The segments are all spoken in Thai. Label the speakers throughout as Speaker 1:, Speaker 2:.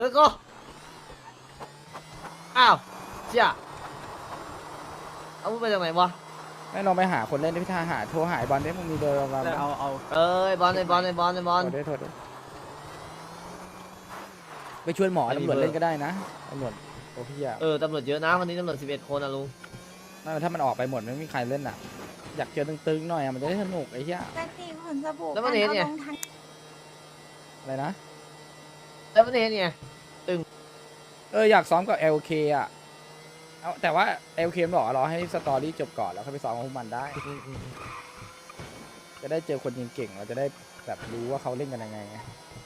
Speaker 1: แล้วก็อ้าวเชี่ยเอามึงไปจากไหนวะ
Speaker 2: ไม่ลองไปหาคนเล่นที่ท่าหาโทรหายบอลได้มึงมีเบอร์บอลไหม
Speaker 3: เอา
Speaker 1: เอ้ยบอลไอ้บอลไอ้บอลไอ้บอล
Speaker 2: โทรได้โทรได้ไปชวนหมอ
Speaker 1: ไม่มี
Speaker 2: ตำรวจ
Speaker 1: เบอร์
Speaker 2: เล่นก็ได้นะตำรวจโอ้พี่อะ
Speaker 1: ตำรวจเยอะนะวันนี้ตำรวจ11 คนนะลุง
Speaker 2: ถ้ามันออกไปหมดไม่มีใครเล่นอ่ะอยากเจอตึงๆหน่อยอะมันจะได้สนุกไอ้เหี้ย
Speaker 4: จะตีผลสบู่
Speaker 1: แล้วมันเห็นไง
Speaker 4: อาลงทั้ง
Speaker 2: อะไรนะ
Speaker 1: แล้วประเทศไง
Speaker 2: อยากซ้อมกับ LK อ่ะเอาแต่ว่า LK มันบอกว่ารอให้สตอรี่จบก่อนแล้วค่อยไปซ้อมกับพวกมันได้ จะได้เจอคนเก่งๆเราจะได้แบบรู้ว่าเขาเล่นกันยังไงไง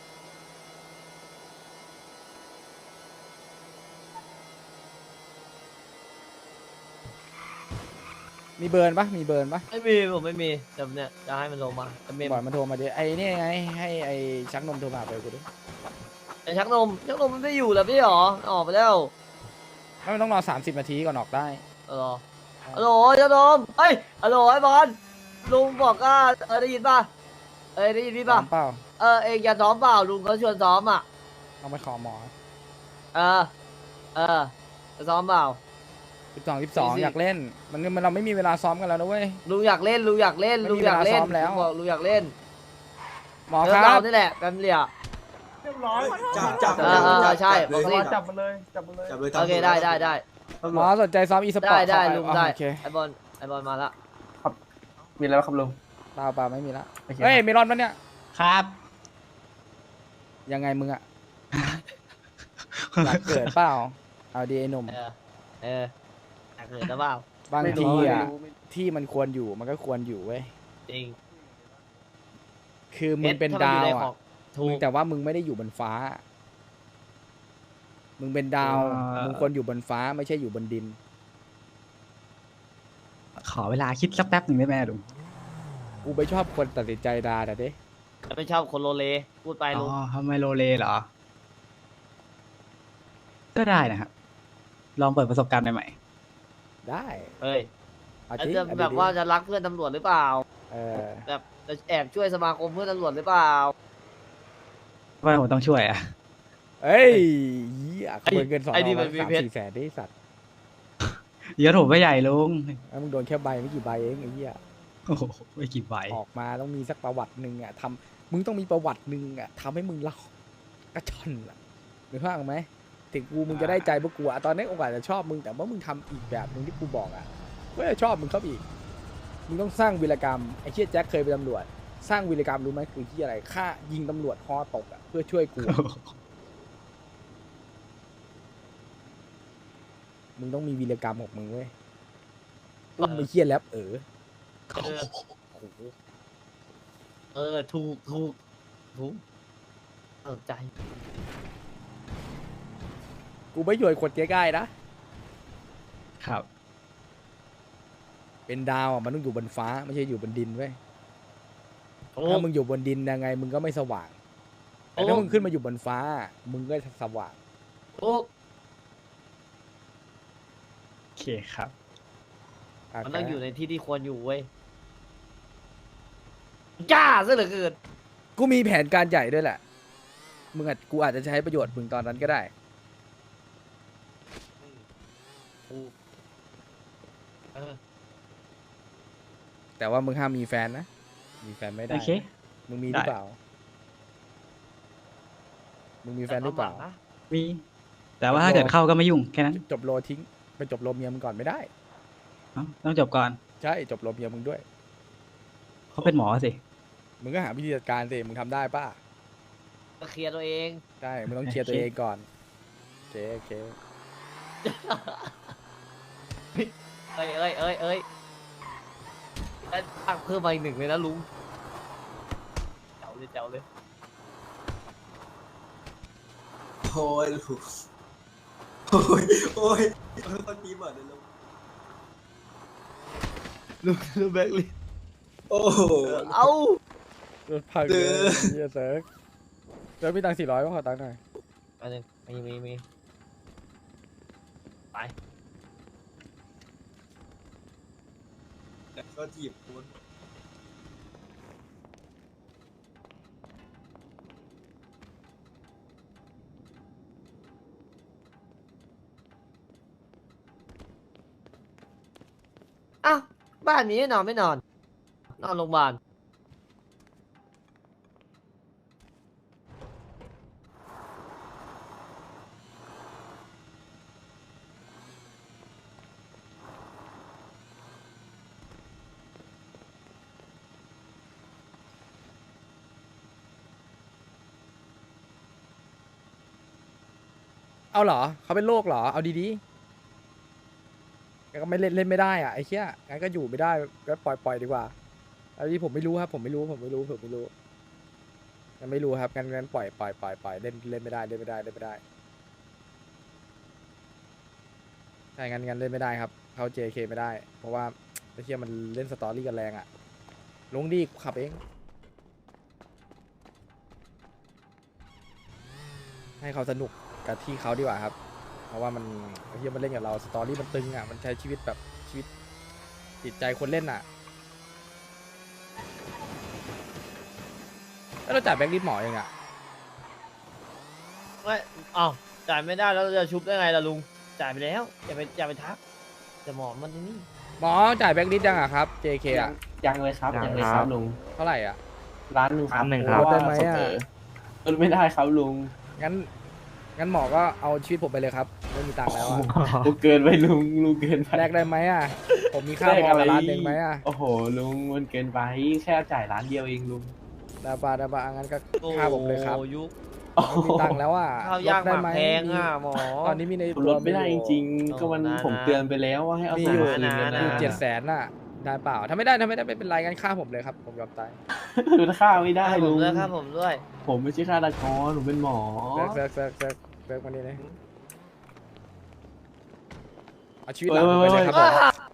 Speaker 2: มีเบิร์นปะมีเบิร์นปะ
Speaker 1: ไม่มีผมไม่มีแต่เนี่ยจะให้มันลงมาแต่เมม
Speaker 2: บอกมันโทรมาดิไอ้นี่ไงให้ไอ้ชักนมโทรมาไปกูดิ
Speaker 1: ไอ้ชักนมมันไม่อยู่แล้วพี่หรอออกไปแล้ว
Speaker 2: ไม่มันต้องรอ30 นาทีก่อนออกได้
Speaker 1: ฮัลโหลชักนมเฮ้ยฮัลโหลไอ้บอลลุงบอกว่าได้ยินป่ะได้ยินพี่
Speaker 2: ซ้อ
Speaker 1: ป่ะ
Speaker 2: มเปล่า
Speaker 1: เองจะซ้อมเปล่าลุงเขาชวนซ้อมอ่ะ
Speaker 2: เอาไปขอหมอ
Speaker 1: เออจะซ้อมเปล่า
Speaker 2: 12 อยากเล่นมันเราไม่มีเวลาซ้อมกันแล้วนะเว้ย
Speaker 1: ลุงอยากเล่นลุงอยากเล่น
Speaker 2: ไม่
Speaker 1: ลุ
Speaker 2: มี
Speaker 1: งอยากเล่น
Speaker 2: เวลาซ้อมแล้ว
Speaker 1: ลุงบอกลุงอยากเล่น
Speaker 2: หมอ
Speaker 1: เอ
Speaker 2: ค
Speaker 1: อ
Speaker 2: รั
Speaker 1: เรา
Speaker 2: บ
Speaker 1: นี่แหละแฟมิลี่อ่ะ
Speaker 5: เรียบร้อย
Speaker 3: จับ
Speaker 1: ใช่
Speaker 3: เลย
Speaker 1: บอกสิ
Speaker 5: จับมันเลยจับมันเลย
Speaker 3: จับเลย
Speaker 1: โอเคได้
Speaker 2: หมอสนใจซ้อมอีสปอร์ต
Speaker 1: ได้ลุงได้
Speaker 2: โอเค
Speaker 1: ไอบอลมาละ
Speaker 5: มีแล้วครับลุง
Speaker 2: เปล่าไม่มีละ
Speaker 5: โอเค
Speaker 2: เฮ้ยเมลอนปะเนี่ย
Speaker 3: ครับ
Speaker 2: ยังไงมึงอะ อยากเกิดเปล่าเอาดีไอ้หนุ่ม
Speaker 1: อยากเกิดหรือเปล่า
Speaker 2: บาง
Speaker 5: ไม่
Speaker 2: ที
Speaker 5: รู้
Speaker 2: อะ
Speaker 5: ไม่รู้
Speaker 2: ที่มันควรอยู่มันก็ควรอยู่เว้ย
Speaker 1: จริง
Speaker 2: คือมึงเป็น
Speaker 1: พชร
Speaker 2: ดาว
Speaker 1: ถ้มันอยู่ใน
Speaker 2: อะ
Speaker 1: ของถู
Speaker 2: มึง
Speaker 1: ก
Speaker 2: แต่ว่ามึงไม่ได้อยู่บนฟ้า มึงเป็นดาว มึงควรอยู่บนฟ้าไม่ใช่อยู่บนดิน
Speaker 6: ขอเวลาคิดสักแป๊บหนึ่งได้ไหมลุง
Speaker 2: กูไม่ชอบคนตัดสินใจดาแต่เด้
Speaker 1: ไม่ชอบคนโลเลพูดไป
Speaker 6: อ๋
Speaker 1: ลุง
Speaker 6: อทำไมโลเลเหรอ ก็ได้นะครับ ลองเปิดประสบการณ์ใหม่
Speaker 2: ได้
Speaker 1: เฮ้ย
Speaker 2: เอา
Speaker 1: อาจ
Speaker 2: จริง
Speaker 1: จะ
Speaker 2: เอ
Speaker 1: แบบ
Speaker 2: ดี
Speaker 1: ว่าจะรักเพื่อนตำรวจหรือเปล่า
Speaker 2: เออ
Speaker 1: แบบจะแอบช่วยสมาคมเพื่อนตำรวจหรือเปล่า
Speaker 6: ๆว่าผมต้องช่วยอ่ะ
Speaker 2: เอ้ยเหี้ยขโมยเงิน2
Speaker 1: ไอ้นี่มันมีเพชร
Speaker 2: 3-4 แสนได้สัตว์
Speaker 6: เยอะผมไม่ใหญ่ลุง
Speaker 2: แล้วมึงโดนแค่ใบไม่กี่ใบเองไอ้เหี้ย
Speaker 6: โอ้โหไม่กี่ใบ
Speaker 2: ออกมาต้องมีสักประวัติหนึ่งอ่ะมึงต้องมีประวัติหนึ่งอ่ะทำให้มึงเล่ากระชอนอ่ะนึกภาพออกไหมถึงกูมึงจะได้ใจพวกกูอ่ะตอนนี้โอกาสจะชอบมึงแต่ว่ามึงทำอีกแบบหนึ่งที่กูบอกอ่ะก็จะชอบมึงเข้าไปอีกมึงต้องสร้างวีรกรรมไอ้เชี่ยแจ็คเคยเป็นตำรวจสร้างวีรกรรมรู้ไหมคือที่อะไรฆ่ายิงตำรวจคอตกอ่ะเพื่อช่วยกูอะมึงต้องมีวีรกรรมของมึงเว้ยอุ้มไอ้เชี่ยแรป
Speaker 1: เออ
Speaker 2: โอ้โห
Speaker 1: ถูกใจ
Speaker 2: กูไม่โยนคนง่ายๆนะ
Speaker 6: ครับ
Speaker 2: เป็นดาวอ่ะมันต้องอยู่บนฟ้าไม่ใช่อยู่บนดินเว้ย
Speaker 1: โอ้
Speaker 2: ถ้ามึงอยู่บนดินยังไงมึงก็ไม่สว่างแต่ถ้ามึงขึ้นมาอยู่บนฟ้า มึงก็สว่าง
Speaker 1: โอ้
Speaker 6: โอเคครับ
Speaker 1: มันต้องอยู่ในที่ที่ควรอยู่เว้ยจ้าซะเหลือเกิน
Speaker 2: กูมีแผนการใหญ่ด้วยแหละกูอาจจะใช้ประโยชน์มึงตอนนั้นก็ได้
Speaker 1: ถูกเออ
Speaker 2: แต่ว่ามึงห้ามมีแฟนนะมีแฟนไม่ได้
Speaker 6: โอเค
Speaker 2: มึงมีหรือ
Speaker 6: ได้
Speaker 2: เปล่ามึงมีแฟนหรือเปล่า
Speaker 1: แต่ควมหวังนะ
Speaker 6: มี แต่ว่าถ้าเกิดเข้าก็ไม่ยุ่งแค่นั้น
Speaker 2: จบโลทิ้งไปจบโลเมียมึงก่อนไม่ได้
Speaker 6: เอ้าต้องจบก่อน
Speaker 2: ใช่จบโลเมียมึงด้วย
Speaker 6: เขาเป็นหมอสิ
Speaker 2: มึงก็หาวิธีจัดการสิมึงทำได้ป่ะ
Speaker 1: ก็เคลียร์ตัวเอง
Speaker 2: ใช่มึงต้องเคลียร์ตัวเองก่อนโอเค
Speaker 1: เอ้ยแล้วตั้งเพิ่มมาอีก1เลยนะลุงเจ๋วเลย
Speaker 3: โอ้ยลูกโอ้ยคนตีหมดเลยลูก
Speaker 1: ลุงแบกลิ
Speaker 3: โอ้โห
Speaker 1: เอ้าร
Speaker 2: ถพังเลยเฮียเซิร์ฟแล้วมีตังค์400ก็ขอตังค์หน่อย
Speaker 1: อันนึงมีไป
Speaker 3: ก็จีบคุณ
Speaker 1: บ้านนี้นอนไม่นอน นอนโรงพยาบาล
Speaker 2: เอาเหรอเขาเป็นโรคเหรอเอาดีๆงั้นก็ไม่เล่นไม่ได้อ่ะไอ้เหี้ยงั้นก็อยู่ไม่ได้ก็ปล่อยดีกว่าอันนี้ผมไม่รู้ครับผมไม่รู้ยังไม่รู้ครับงั้นปล่อยเล่นไม่ได้ใช่งั้นเล่นไม่ได้ครับเข้า JK ไม่ได้เพราะว่าไอ้เหี้ยมันเล่นสตอรี่กันแรงอ่ะลงดีขับเองให้เขาสนุกกับที่เขาดีกว่าครับเพราะว่ามันไอ้เหี้ยมันเล่นกับเราสตอรี่มันตึงอ่ะมันใช้ชีวิตแบบชีวิตจิตใจคนเล่นอ่ะแล้วเราจ่ายแบงค์ลิสต์หมอยังอ่ะ
Speaker 1: ไม่อ้าวจ่ายไม่ได้แล้วเราจะชุบได้ไงล่ะลุง จ่ายไปแล้ว อย่าไปทักแต่หมอมันนี่
Speaker 2: หมอจ่ายแบงค์ลิสต์ยังอ่ะครับ JK อ่ะ
Speaker 5: ยังเลยครับยังเลยครับลุง
Speaker 2: เท่าไหร่อ่ะ
Speaker 5: ร้านหนึ่งครับ
Speaker 2: ลดได้ไหมอะ
Speaker 5: ลดไม่ได้ครับลุง
Speaker 2: งั้นหมอก็เอาชีวิตผมไปเลยครับไม่มีตังค์แล้วอ่ะ
Speaker 5: ลุงเกินไปลุงเกินไป
Speaker 2: แลกได้ไหมอ่ะผมมีค่า
Speaker 5: แลก
Speaker 2: พอ
Speaker 5: อะไร
Speaker 2: กับร้านหนึ่งไหมอ่ะ
Speaker 5: โอ้โหลุงมันเกินไปแค่จ่ายร้านเดียวเองลุง
Speaker 2: ดาบางั้นก็ค่าผมเลยครับ
Speaker 1: โอ้ยุค
Speaker 2: ไม่มีตังค์แล้วอ่ะ
Speaker 1: ข้าวยากห
Speaker 2: ลด
Speaker 1: มาก
Speaker 2: ไห
Speaker 1: แพงอ่ะหมอ
Speaker 2: ตอนนี้มีใน
Speaker 5: ลดไม่ได้จริง
Speaker 1: โอ้
Speaker 5: ๆก็มัน
Speaker 1: นะ
Speaker 5: ผมเตือนไปแล้วว่าให้เอา
Speaker 2: มี
Speaker 5: ตัง
Speaker 2: อยู่
Speaker 5: ค์คืนกัน
Speaker 1: นะ
Speaker 2: อยู่
Speaker 5: นะ
Speaker 2: 700,000น่ะได้เปล่าถ้าไม่ได้ไม่เป็นไรงั้นค่าผมเลยครับผมยอมตาย
Speaker 5: คือค่าไม่ได้
Speaker 1: ให้ผ
Speaker 5: ลุ
Speaker 1: ม
Speaker 5: ง
Speaker 1: ด้วยครับผมด้วย
Speaker 5: ผมไม่ใช่ฆาตกรผมเป็นหมอ
Speaker 2: เซิร์กมานี่เลยเอาชีวิตห
Speaker 5: เว้
Speaker 2: ลาน
Speaker 5: ย
Speaker 2: ผมไป
Speaker 5: เว้
Speaker 2: เลย ยครับผม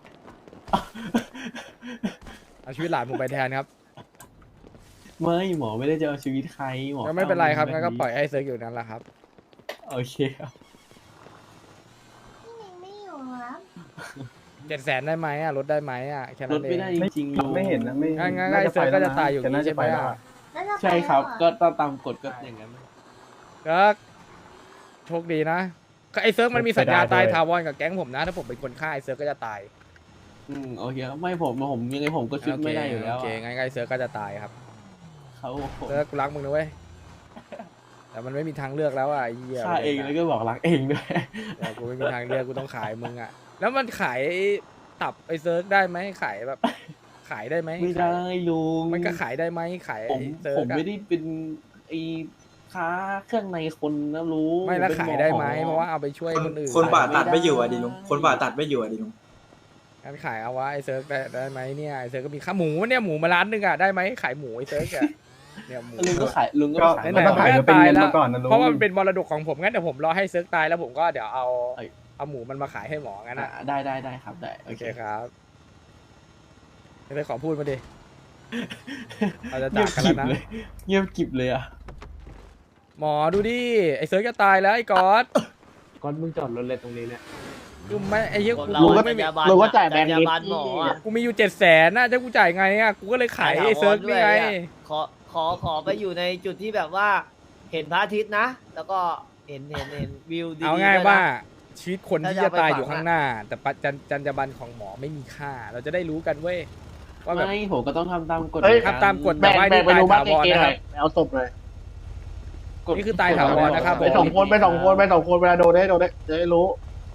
Speaker 2: เอาชีวิตหลานผมไปแทนครับ
Speaker 5: ไม่หมอไม่ได้จะเอาชีวิตใครหมอ
Speaker 2: ก็ไม่เป็นไรครับ
Speaker 5: แ
Speaker 2: งั้นก็ปล่อยให้เซิร์กอยู่นั่นแหละครับ
Speaker 5: โอเคครับ
Speaker 4: พี่นิงไม่อยู่ครับ
Speaker 2: 700,000ได้ไหมอ่ะลดได้ไหมอ่ะแค่
Speaker 5: ล
Speaker 2: นั้
Speaker 5: ด
Speaker 2: นเอ
Speaker 5: ไม่
Speaker 2: ง
Speaker 5: ได้จริงๆลุง
Speaker 7: ไม่เห็นนะไม่
Speaker 2: งั้นไอ้เซิร์กก็จะตายอยู่อย่างนี้ใช่ไหมอ่ะ
Speaker 4: แล้วจะไป
Speaker 5: ใช่ครับ
Speaker 4: แล้วเห
Speaker 5: ก็ตามกฎก็อย่างนั้น
Speaker 2: เซิร์กโชคดีนะไอ้เซิร์กมันมีสัญญาตายถาวรกับแก๊งผมนะ ถ้าผมเป็นคนฆ่าไอ้เซิร์กก็จะตาย
Speaker 5: โอเคครับไม่ผมยังไงผมก็ชุดไม่ได้อยู่แล้ว
Speaker 2: โอเคงั้นไอ้เซิร์กก็จะตายครับ
Speaker 5: เขา
Speaker 2: เซิร์กกูรักมึงนะเว้ยแต่มันไม่มีทางเลือกแล้วอ่ะไอ้เหี้ย
Speaker 5: ฆ่าเองแล้วก็บอกรักเองด้วย
Speaker 2: เดี๋ยวกูไม่มีทางเลือกกูต้องขายมึงอ่ะแล้วมันขายตับไอ้เซิร์กได้ไหมขายแบบ ขายได้ไหม
Speaker 5: ไม่ได้ลุง
Speaker 2: มันก็ขายได้ไหมขาย
Speaker 5: ผม
Speaker 2: ไอ้เซิร์
Speaker 5: ผ
Speaker 2: ก
Speaker 5: ม
Speaker 2: อะ
Speaker 5: ไม่ได้เป็นไอ้ค้าเครื่องในคนนะลุง
Speaker 2: ไม่แล้ว
Speaker 5: ผป็น
Speaker 2: ขายได้ไหมเพราะว่าเอาไปช่วยคนอื่น
Speaker 3: คนป่าตัดไม่อยู่อ่ะดิลุงคนป่าตัดไม่อยู่อ่ะดิลุง
Speaker 2: งั้นขายเอาวะไอ้เซิร์กได้ไหมเนี่ยไอ้เซิร์กก็มีค่าหมูเนี่ยหมูมาร้านหนึงอ่ะได้ไหมขายหมูไอ้เซิร์กอ่ะเนี่ยหมู
Speaker 5: ลุงก็ขายลุงก็
Speaker 7: ก็
Speaker 5: ขาย
Speaker 2: ไหนๆ
Speaker 7: ต้องขายเป็นเงินมาก่อนนะลุง
Speaker 2: เพราะว่ามันเป็นมรดกของผมงั้นเดี๋ยวผมรอให้เซิร์กตายแล้วผมก็เดี๋ยวเอา
Speaker 5: เอ้ย
Speaker 2: เอาหมูมันมาขายให้หมองั้นอ่ะ
Speaker 5: ได้ครับได้
Speaker 2: โอเคครับไอ้เซิร์กขอพูดมาดิเราจะ
Speaker 5: เงี
Speaker 2: จาย ก
Speaker 5: บ
Speaker 2: กัน
Speaker 5: กริ
Speaker 2: แล้วนะ
Speaker 5: บเลยเงียบกริบเลยอ่ะ
Speaker 2: หมอดูดิไอ้เซิร์กจะตายแล้วไอ้ก๊อต
Speaker 7: ก่อนมึงจอดรถเลยตรงนี้เนี่ย
Speaker 2: คือไม่ไอ้เหี้ย
Speaker 1: คน
Speaker 2: กู
Speaker 1: เรา
Speaker 2: กู
Speaker 1: ก็
Speaker 2: ไม่มี
Speaker 7: รู้ว่าจ่ายแบงค์
Speaker 1: จรร
Speaker 7: นิด
Speaker 1: ยาบาลหมออ่ะ
Speaker 2: กูมีอยู่700,000น่ะจะกูจ่ายไงอ่ะกูก็เลยขายไอ้เซิร์กนี่ไง
Speaker 1: ขอไปอยู่ในจุดที่แบบว่า เห็นพระอาทิตย์นะ แล้วก็เห็นวิวดีๆ
Speaker 2: เอาง่าย
Speaker 1: ด้วยนะ
Speaker 2: ว่าชีวิตคนที่
Speaker 1: ถ้าจะ
Speaker 2: จะ
Speaker 1: เอาไป
Speaker 2: ตาย
Speaker 1: ฝัง
Speaker 2: อยู่ข้างหน้า แต่จรรยาบรรณของหมอไม่มีค่า เราจะได้รู้กันเว้ยว่าแบบ
Speaker 5: ไม่ผมก็ต้องทำตามกฎ
Speaker 7: เฮ้ย
Speaker 5: เหอนน
Speaker 2: ทำตามกฎ
Speaker 7: แบ่ง
Speaker 2: แต่ว่า
Speaker 7: แบ่งไปดูบ้าน
Speaker 2: นี่
Speaker 7: เก
Speaker 2: ตายถาวร
Speaker 7: ห
Speaker 2: นะครั
Speaker 7: น่อบ ยเอาศพเลย
Speaker 2: นี่คือตายถาวรนะครับ
Speaker 7: ไปสองคนไปสองคนไปสองคนเวลาโดนได้จะได้รู้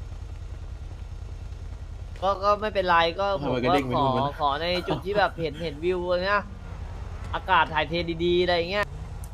Speaker 1: ก็ไม่เป็นไรก็ผม
Speaker 5: ทำไมก
Speaker 1: ก็
Speaker 5: ระเด้งไป
Speaker 1: ข
Speaker 5: นู่
Speaker 1: อน
Speaker 5: วะ
Speaker 1: ขอในจุดที่แบบเห็นวิวอะไรเงี้ยอากาศถ่ายเทดีๆอะไรเงี้ย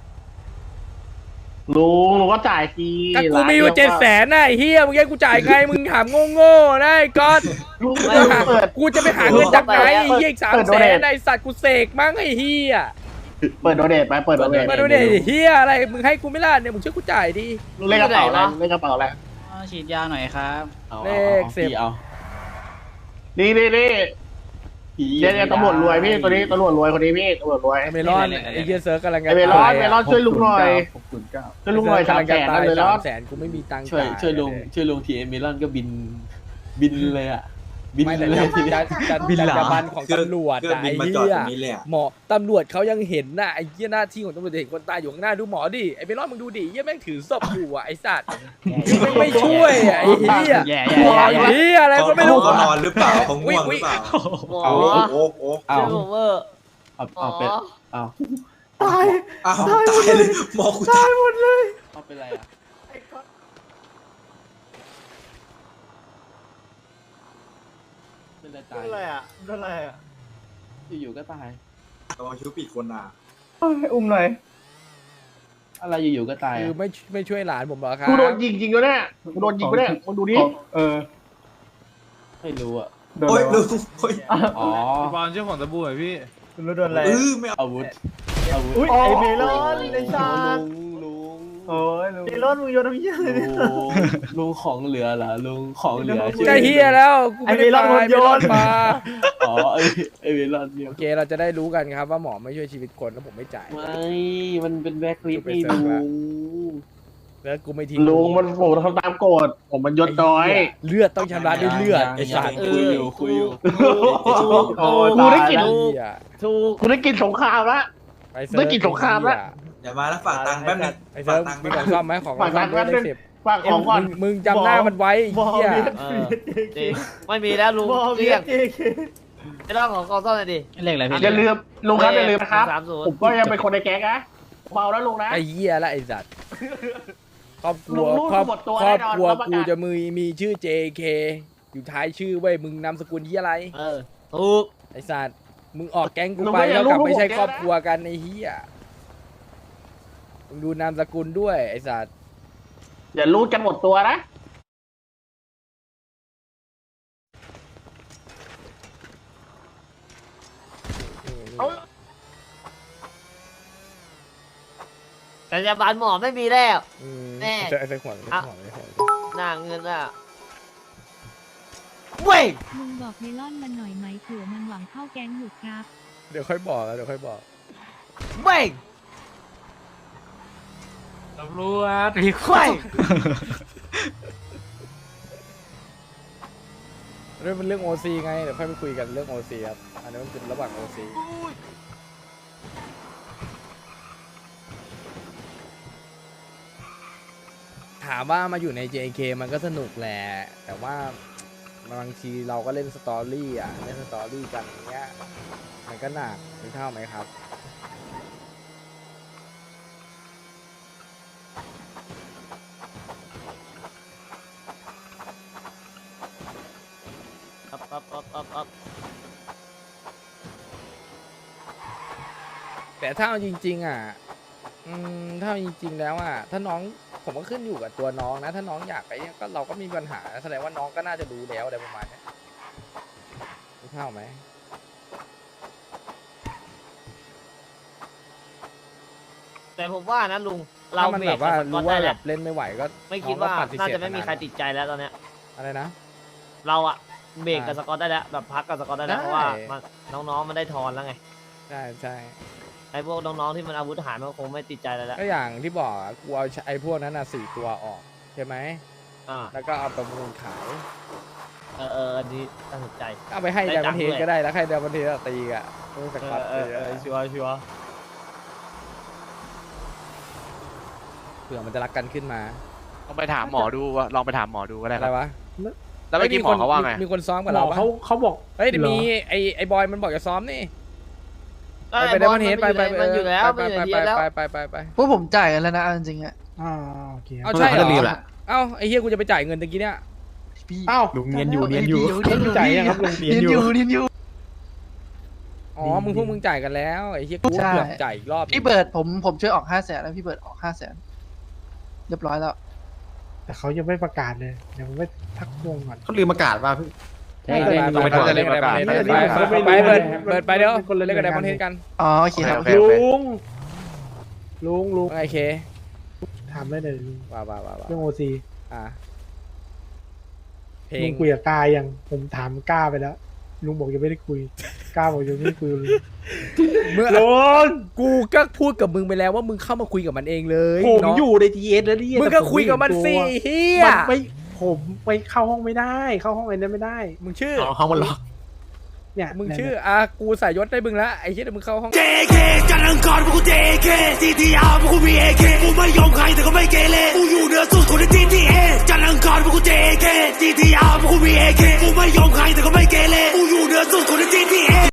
Speaker 7: ลุงก็จ่ายที
Speaker 2: ก็กูมีอยู่700,000น่ะไอ้เฮียมึงให้กูจ่ายไงมึงถามโง่ๆนะไอ้ก๊อต
Speaker 7: ลุง
Speaker 2: กู
Speaker 7: เปิด
Speaker 2: กูจะไปหาเงินจากไหนไอ้เฮียอีก
Speaker 7: เปิดโดเนท
Speaker 2: 300,000ไอ้สัตว์กูเสกมั้งไอ้เฮีย
Speaker 7: เปิดโดเนทไปเปิดโดเนท
Speaker 2: มาดูเนี่ยไอ้เฮียอะไรมึงให้กูไม่ล่ะเนี่ยมึงช่วยกูจ่ายดิ
Speaker 7: ลุงเล่นกระเป๋าแล้วเล่นกระเป๋าแล้ว
Speaker 6: ฉีดยาหน่อยครับ
Speaker 5: เอา
Speaker 2: เลข
Speaker 5: พี่
Speaker 2: 10
Speaker 5: เอา
Speaker 7: นี่
Speaker 5: พี่
Speaker 7: เดี๋ยวตำรวจรวยพี่ตัวนี้ตำรวจรวยคนนี้พี่ตำรวจรวย
Speaker 2: ไอ้เมลอนไอ้เฮียเซิร์กกำลังจะ
Speaker 7: ไอ้เมลอน
Speaker 2: ตาย
Speaker 7: เมลอนช่วยลุงหน่อย
Speaker 5: 609
Speaker 7: ช่วยลุงหน่อย300,000นั่นเลยแล้ว
Speaker 2: 300,000กูไม่มีตังค์
Speaker 5: ช่วย
Speaker 2: จ่าย
Speaker 5: ลุงทีเอมิลอนก็บินเลยอ่ะ
Speaker 3: บิน
Speaker 2: ไม่แต่
Speaker 3: เลย
Speaker 2: จะบันของตำรวจ
Speaker 3: เครื่อง
Speaker 2: อะ
Speaker 3: บิน
Speaker 2: ไอ้
Speaker 3: มาจอด
Speaker 2: เหี้ย
Speaker 3: ตรงนี้เลยอะ
Speaker 2: หมอตำรวจเขายังเห็นน่ะไอ้เหี้ยหน้าที่ของตำรวจเห็นคนตายอยู่ข้างหน้าดูหมอดิไอ้เบลอนมึงดูดิเหี้ยแม่งถือศพอยู่อ่ะไอ้สัตว์แม่งไม่ช่วยอะไอ้เหี้ย
Speaker 6: แย่
Speaker 2: หมอเหี้ยอะไรก็ไม่รู้
Speaker 3: เขานอนหรือเปล่าเขาง่วงหรือเปล่า
Speaker 1: หมอ
Speaker 3: โอ้โห
Speaker 5: เอา
Speaker 1: ชื่อผมเวอร์
Speaker 5: เอา
Speaker 1: หม
Speaker 5: เอา
Speaker 1: อ
Speaker 5: เป็นเอา
Speaker 3: อ้าวตายเลยหมอกูตาย
Speaker 5: เอาเป็นไรอ่ะเป็นไรตาย
Speaker 7: อะไรอ่ะอะไรอ่ะ
Speaker 5: อยู่ๆก็ตาย
Speaker 3: ระวังชิวปีกคนอ่ะ
Speaker 7: อุ้มหน่อย
Speaker 5: อะไรอยู่ๆก็ตาย
Speaker 2: คือ
Speaker 5: อะ
Speaker 2: ไม่ช่วยหลานผมเหรอครับ
Speaker 7: กูโดนยิงจริงแล้วเนี่ยกูโดนยิงไปเนี่ยมึงดูดิเออ
Speaker 5: ไม่รู้อ่ะ
Speaker 7: โดน
Speaker 3: โอ้ย
Speaker 7: อะไร
Speaker 3: ลุ
Speaker 7: วะ
Speaker 3: งโอ้ย
Speaker 5: อ๋อ
Speaker 8: บอลเจ้าของตะบูหน่อยพี่
Speaker 7: รู้โดนอะไร
Speaker 3: ไม่เอา
Speaker 5: อาวุธ
Speaker 7: อุ้ยไอเมลอนไอชา
Speaker 5: ลุง
Speaker 7: โอ้ยเมลอนมึงโยนน้ำเยี่ยเลยเนี่ย
Speaker 5: ลุงของเหลือเหรอลุงของเหลือ
Speaker 2: ก็เฮียแล้วกูไม่ได้
Speaker 7: ไอ้เมลอน
Speaker 2: ตาย
Speaker 7: โยน
Speaker 2: เมลอนมา
Speaker 5: อ๋อไอเวลอนเนี่ย
Speaker 2: โอเคเราจะได้รู้กันครับว่าหมอไม่ช่วยชีวิตคนแล้วผมไม่จ่าย
Speaker 5: ไม่มันเป็นแบ็คลิสต์
Speaker 2: ไป
Speaker 5: นี่
Speaker 2: เสิร์ฟ
Speaker 5: ลุ
Speaker 2: ละ
Speaker 5: ง
Speaker 2: แล้วกูไม่ทิ้ง
Speaker 7: ลุงมันผมทำตามกฎผมมันยศน้อย
Speaker 2: เลือดต้องชำระด้วยเลือดไอ้สัตว์
Speaker 5: คุยอยู่คุยอยู่
Speaker 7: โอ้กูได้กลิ่น
Speaker 2: เหี้ย
Speaker 1: ถูก
Speaker 7: กูได้กลิ่นสงครามละ
Speaker 2: ไปเซิร์ฟ
Speaker 7: ได้กลิ่นสงครามละ
Speaker 3: อย่ามาแล้วฝากตังค์แป๊บนึง
Speaker 2: ไอ้เซิร์ฟมีของซ่อมไหมของ
Speaker 7: ฝาก
Speaker 2: ซ่
Speaker 7: ตั
Speaker 2: อง ม
Speaker 7: ค์แป๊บนึ
Speaker 2: ได้
Speaker 7: ง
Speaker 2: 10
Speaker 7: ฝากของก่อน
Speaker 2: มึงจำหน้ามันไว้ไอ้
Speaker 7: บอ
Speaker 2: เหี้ย
Speaker 7: เบีย
Speaker 1: เออจริงไม่มีแล้วลุง
Speaker 7: บอ
Speaker 1: เรี
Speaker 7: เบี
Speaker 1: ย
Speaker 7: ย
Speaker 1: ก
Speaker 7: เจเค
Speaker 1: ไอ้เรื่องของกองซ่อมหน่อยดิ
Speaker 6: เลขอะไรพี่
Speaker 7: อย่าลืมลุงครับอย่าลืมนะครับ
Speaker 1: 30
Speaker 7: ผมก็ยังเป็นคนในแก๊งนะเบาแล้วลุงนะ
Speaker 2: ไอ้เหี้ยละไอ้สัตว์ครอบครัว
Speaker 7: ลุง
Speaker 2: ครอบ
Speaker 7: หมดตัว
Speaker 2: ครอบ
Speaker 7: แน่นอน
Speaker 2: ครัว
Speaker 7: รับประกัน
Speaker 2: กูจะมีชื่อ JK อยู่ท้ายชื่อเว้ยมึงนามสกุลที่อะไร
Speaker 1: เออถูก
Speaker 2: ไอ้สัตว์มึงออกแก๊งกู
Speaker 7: ลุง
Speaker 2: ไป
Speaker 7: ก็อย่า
Speaker 2: แล้วกลับ
Speaker 7: ลุง
Speaker 2: ไม่ใช่
Speaker 7: ผมแก๊ง
Speaker 2: ครอบ
Speaker 7: นะ
Speaker 2: ครัวกันไอ้เหี้ยมึงดูนามสกุลด้วยไอ้สัตว์
Speaker 7: อย่ารู้กันหมดตัวนะ เอา
Speaker 1: แต่ยาบาลหมอไม่มีแล้ว
Speaker 2: อืม
Speaker 1: แน่
Speaker 2: ไอ้เจ้าขวัญไอ้
Speaker 1: อ่ะ
Speaker 2: ขวัญไอ้ขวัญ
Speaker 1: หน้าเงินอ่ะเว้ย
Speaker 9: ลุงบอกเมลอนมันหน่อยไหมเผื่อมันหวังเข้าแก๊งหยุดครับ
Speaker 2: เดี๋ยวค่อยบอกแล้วเดี๋ยวค่อยบอก
Speaker 1: เว้ย
Speaker 8: ตำรวจมีค
Speaker 1: เว้ย
Speaker 2: เรื่องเป็นเรื่อง OC ไงเดี๋ยวค่อยไปคุยกันเรื่อง OC ครับอันนี้มันเป็นระหว่าง OC ถามว่ามาอยู่ใน JK มันก็สนุกแหละ แต่ว่าบางทีเราก็เล่นสตอรี่อ่ะเล่นสตอรี่กันอย่างเงี้ยมันก็หนักมีเท่าไหมครับ
Speaker 1: อัพ
Speaker 2: แต่ถ้าเอาจริงๆอ่ะถ้าเอาจริงๆแล้วอ่ะถ้าน้องผมก็ขึ้นอยู่กับตัวน้องนะ ถ้าน้องอยากไปก็เราก็มีปัญหาแสดงว่าน้องก็น่าจะรู้แล้วอะไรประมาณเนี้ยมีเท่าไหม
Speaker 1: แต่ผมว่านะลุงเรา
Speaker 2: ถ้ามัน
Speaker 1: เบร
Speaker 2: แบ
Speaker 1: ก
Speaker 2: บว่า
Speaker 1: กับสกอ
Speaker 2: รู้
Speaker 1: ตได้
Speaker 2: ว่า
Speaker 1: แห
Speaker 2: แบ
Speaker 1: ละ
Speaker 2: บเล่นไม่ไหวก็
Speaker 1: ไม่คิดว่า
Speaker 2: องก็ปฏิเสธ
Speaker 1: น่าจะไม่มีใคร
Speaker 2: นาน
Speaker 1: ติดใจแล้วตอนเนี้ย
Speaker 2: อะไรนะ
Speaker 1: เราอะเบรกกับสกอตได้แล้วแบบพักกับสกอตได้แล้ว
Speaker 2: ได้
Speaker 1: เพราะว่ามันน้องๆมันได้ทอนแล้วไง
Speaker 2: ใช่ใช่
Speaker 1: ไอ้พวกน้องๆที่มันอาวุธหายมันก็คงไม่ติดใจแล้วแหละ
Speaker 2: ก็อย่างที่บอกอะกูเอาไอ้พวกนั้นอ่ะ4 ตัวออกใช่ไหม
Speaker 1: อ่า
Speaker 2: แล้วก็เอาประมูลขาย
Speaker 1: อันนี้น่าสนใจ
Speaker 2: เอาไปให้
Speaker 1: ได้
Speaker 2: ได
Speaker 1: ตั
Speaker 2: ม
Speaker 1: งค์
Speaker 2: เท
Speaker 1: ด้
Speaker 2: น
Speaker 1: วย
Speaker 2: ก็ได้แล้วให้ไดมเทนตีอ่ะต้องสกัดตีอะ
Speaker 1: ชัวร์
Speaker 2: เผื่อมันจะรักกันขึ้นมา
Speaker 8: ลองไปถามหมอดูว่าลองไปถามหมอดูก็ได้
Speaker 2: อะ
Speaker 8: ค
Speaker 2: ไร
Speaker 8: รับ
Speaker 2: วะ
Speaker 8: แล้วเมื่อกี้หมอเขาว่าไง
Speaker 2: มีคนซ้อมกับ
Speaker 7: หม
Speaker 2: เรา
Speaker 7: อ
Speaker 2: ปะ
Speaker 7: เขาบอก
Speaker 2: เฮ้ยเดี๋ยวมีไอ้บอยมันบอกจะซ้อมนี่ไปไดมเทนไป
Speaker 1: มันอยู่แล้วมันอยู่ในทีแล้ว
Speaker 2: ไป
Speaker 10: พวกผมจ่ายกันแล้วนะเอาจริงๆอ่ะ
Speaker 7: โอเค
Speaker 2: เอาใช่เหร
Speaker 8: เขาจะรีบ
Speaker 2: อ
Speaker 8: แหละ
Speaker 2: เอ้าไอ้เฮียกูจะไปจ่ายเงินตะกี้เนี่ย
Speaker 10: พี่
Speaker 7: อ้าว
Speaker 8: ลุงเนียนอยู่เนียนอยู่
Speaker 7: จ่ายยังครับลุง
Speaker 10: เนียนอยู่
Speaker 2: อ๋อพวกมึงจ่ายกันแล้วไอ้เฮียกู
Speaker 10: ใช่
Speaker 2: เกือบจ่ายอีกรอบ
Speaker 10: พี่เบิร์ดผมช่วยออก500,000แล้วพี่เบิร์ดออก500,000เรียบร้อยแล้ว
Speaker 7: แต่เขายังไม่ประกาศเลยเดี๋ยวผมไปทักวงก่อน
Speaker 3: เขาลืมประกาศป่ะพี่
Speaker 2: ไปเล่นกันไปเดี๋ยวเล่นกันไดมอนเทนกัน
Speaker 10: อ๋อโอเคครับ
Speaker 8: โอเคโอเค
Speaker 7: ลุง
Speaker 2: ว่าไงเค
Speaker 7: ถามได้เลยลุง
Speaker 2: ว่า
Speaker 7: เรื่องโอซี
Speaker 2: อ่ะเพล
Speaker 7: ลุ
Speaker 2: ง
Speaker 7: งคุยกับกายังผมถามกาไปแล้วลุงบอกยังไม่ได้คุยกาบอกยังไม่ได้คุยกับลุง
Speaker 2: เมื่อ
Speaker 7: ลุง
Speaker 2: กูก็พูดกับมึงไปแล้วว่ามึงเข้ามาคุยกับมันเองเลย
Speaker 7: ผม
Speaker 2: เนาะ
Speaker 7: อยู่ในทีเอสแล้วนี่
Speaker 2: มึงก็คุยกับมันสิเฮีย
Speaker 7: มันไม่ผผมไปเข้าห้องไม่ได้ เข้าห้องอะไรนั้นไม่ได้
Speaker 2: มึงชื่อ
Speaker 3: ห้องมันล็อก
Speaker 7: เนี่ย
Speaker 2: มึง
Speaker 7: เนี่ย
Speaker 2: ชื่อกูใส่ยศได้มึงแล้วไอ้เหี้ยเดี๋ยวมึงเข้าห้อง
Speaker 11: JK จันทร์อังคารพวกกู JK TTR พวกกูมี AK กูไม่ยอมใครแต่ก็ไม่เกเรกูอยู่เหนือสุดคนใน TTA จันทร์อังคารพวกกู JK TTR พวกกูมี AK กูไม่ยอมใครแต่ก็ไม่